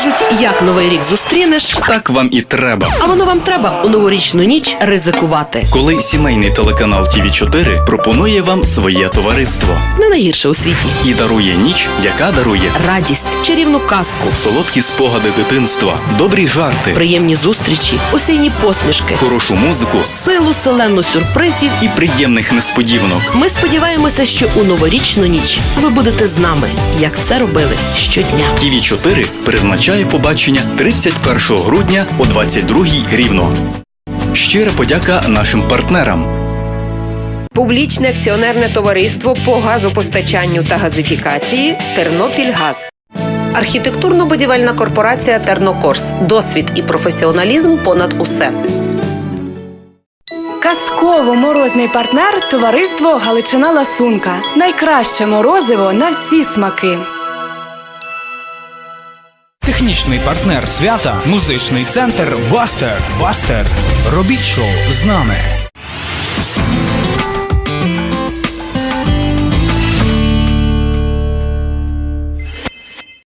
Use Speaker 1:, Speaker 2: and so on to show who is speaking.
Speaker 1: Кажуть, як Новий рік зустрінеш,
Speaker 2: Так вам і треба.
Speaker 1: а воно вам треба у новорічну ніч ризикувати.
Speaker 2: Коли сімейний телеканал ТВ4 пропонує вам своє товариство
Speaker 1: Не найгірше у світі.
Speaker 2: і дарує ніч, яка дарує
Speaker 1: Радість, чарівну казку,
Speaker 2: солодкі спогади дитинства, добрі жарти,
Speaker 1: приємні зустрічі, осінні посмішки,
Speaker 2: хорошу музику
Speaker 1: силу селену сюрпризів.
Speaker 2: і приємних несподіванок.
Speaker 1: Ми сподіваємося, що у новорічну ніч ви будете з нами, як це робили щодня.
Speaker 2: ТВ4 призначає побачення 31 грудня о 22-й рівно. Щира подяка нашим партнерам.
Speaker 3: Публічне акціонерне товариство по газопостачанню та газифікації «Тернопільгаз». Архітектурно-будівельна корпорація «Тернокорс». Досвід і професіоналізм понад усе.
Speaker 4: Казково-морозний партнер – товариство «Галичина Ласунка». Найкраще морозиво на всі смаки.
Speaker 5: Технічний партнер свята – музичний центр «Бастер». «Бастер». Робіть шоу з нами.